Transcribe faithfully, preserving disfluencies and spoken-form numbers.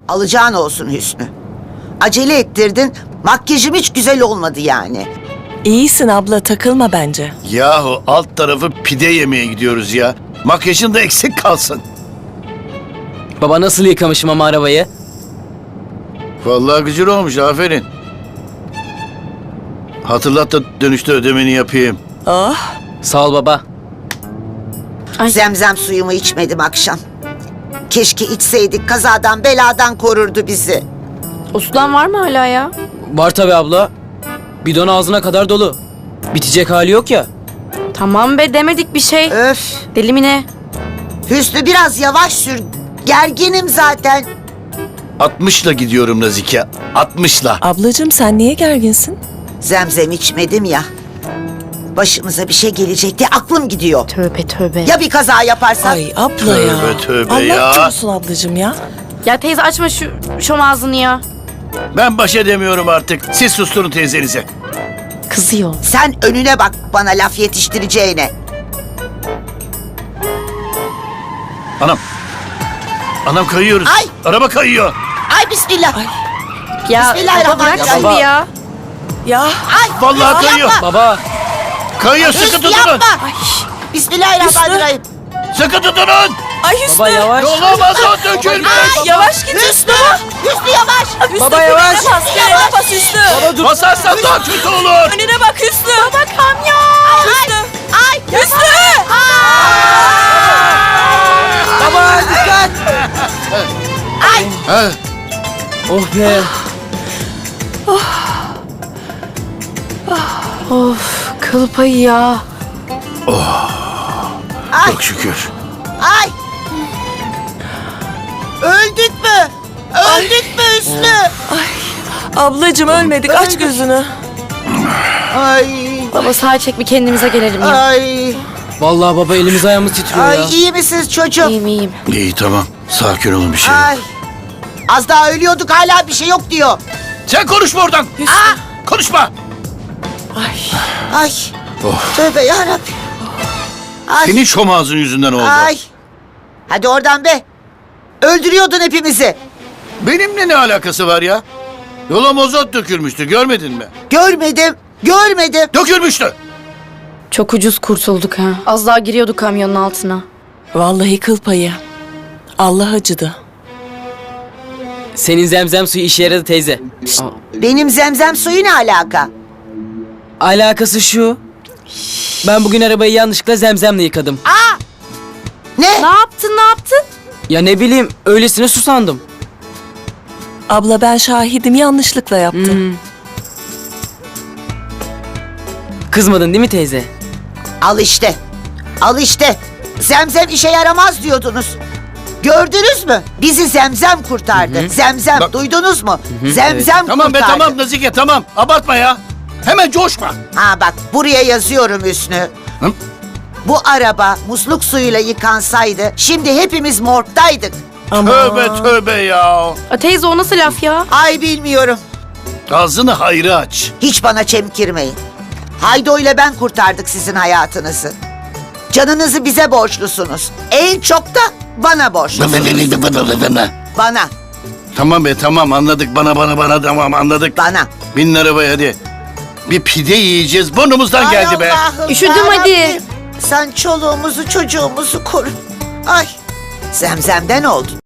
Alacağın olsun Hüsnü. Acele ettirdin, makyajım hiç güzel olmadı yani. İyisin abla, takılma bence. Yahu alt tarafı pide yemeye gidiyoruz ya. Makyajın da eksik kalsın. Baba nasıl yıkamışım ama arabayı? Vallahi güzel olmuş, aferin. Hatırlat da dönüşte ödemeni yapayım. Oh, Sağ ol baba. Ay. Zemzem suyumu içmedim akşam. Keşke içseydik, kazadan beladan korurdu bizi. O sudan var mı hala ya? Var tabi abla. Bidon ağzına kadar dolu. Bitecek hali yok ya. Tamam be, demedik bir şey. Öf! Deli mi ne? Hüsnü biraz yavaş sür. Gerginim zaten. altmışla gidiyorum Nazike. altmışla. ablacığım sen niye gerginsin? Zemzem içmedim ya. Başımıza bir şey gelecek diye aklım gidiyor. Tövbe tövbe. Ya bir kaza yaparsak? Ay abla ya. Tövbe, tövbe Allah ya. korusun ablacığım ya. Ya teyze açma şu şom ağzını ya. Ben baş edemiyorum artık. Siz susturun teyzenize. Kızıyor. Sen önüne bak bana laf yetiştireceğine. Anam. Anam kayıyoruz. Ay. Araba kayıyor. Ay bismillah. Ay. Ya Bismillahirrahmanirrahim. baba bırak Baba. şimdi ya. Ya Ay Vallahi Hüsnü kayıyor. yapma. Baba. Kayıyor, sıkı Hüsnü tutunun. yapma. Bismillahirrahmanirrahim. Sıkı tutunun. ay Hüsnü. Baba yavaş. Yolamaz o dökülmüş. Yavaş git Hüsnü. Hüsnü yavaş. Hüsnü, Baba yavaş. Frene bas, frene bas Hüsnü. Baba dur. Basarsan daha kötü olur. Önüne bak Hüsnü. Baba kamyon. Hüsnü. Ay Hüsnü. Baba dikkat. Ha, Oh be. Of, kıl payı ya. Ay çok şükür. ay. Öldük mü? Öldük mü Hüsnü? Ablacığım ölmedik, aç gözünü. Ay Baba sağ çek, bir kendimize gelelim ya. ay. Vallahi baba elimiz ayağımız titriyor ya. Ay iyi misiniz çocuğum? İyiyim iyiyim. İyi tamam. Sakin olun, bir şey yok. Ay. Az daha ölüyorduk, hala bir şey yok diyor. Sen konuşma oradan. Aa, Konuşma. Ay. ay. Oh. Tövbe yarabbim. Ay. Senin şom ağzın yüzünden oldu. Ay. Hadi oradan be. Öldürüyordun hepimizi. Benimle ne alakası var ya? Yola mozot dökülmüştü, görmedin mi? Görmedim. Görmedim. Dökülmüştü. Çok ucuz kurtulduk ha. Az daha giriyorduk kamyonun altına. Vallahi kıl payı. Allah acıdı. Senin zemzem suyu işe yaradı teyze. Benim zemzem suyu ne alaka? Alakası şu. Ben bugün arabayı yanlışlıkla zemzemle yıkadım. Ne? Ne yaptın ne yaptın? Ya ne bileyim öylesine su sandım. Abla ben şahidim, yanlışlıkla yaptım. Kızmadın değil mi teyze? Al işte. Al işte. Zemzem işe yaramaz diyordunuz. Gördünüz mü? Bizi zemzem kurtardı. Zemzem, Bak- duydunuz mu? Zemzem Tamam be kurtardı. tamam Nazike, tamam. Abartma ya. Hemen coşma. Ha bak, buraya yazıyorum Hüsnü. Hı? Bu araba musluk suyuyla yıkansaydı şimdi hepimiz morgdaydık. Ama Tövbe tövbe ya. A, teyze o nasıl laf ya? Ay bilmiyorum. Ağzını hayra aç. Hiç bana çemkirmeyin. Haydo ile ben kurtardık sizin hayatınızı. Canınızı bize borçlusunuz. En çok da bana borçlusunuz. Bana, Tamam be tamam, anladık, bana bana bana tamam anladık. bana. Binin arabaya hadi. Bir pide yiyeceğiz, burnumuzdan geldi Ay be. Allah'ım Üşüdüm hadi. yarabbim. Sen çoluğumuzu çocuğumuzu koru. Ay, zemzemden oldun.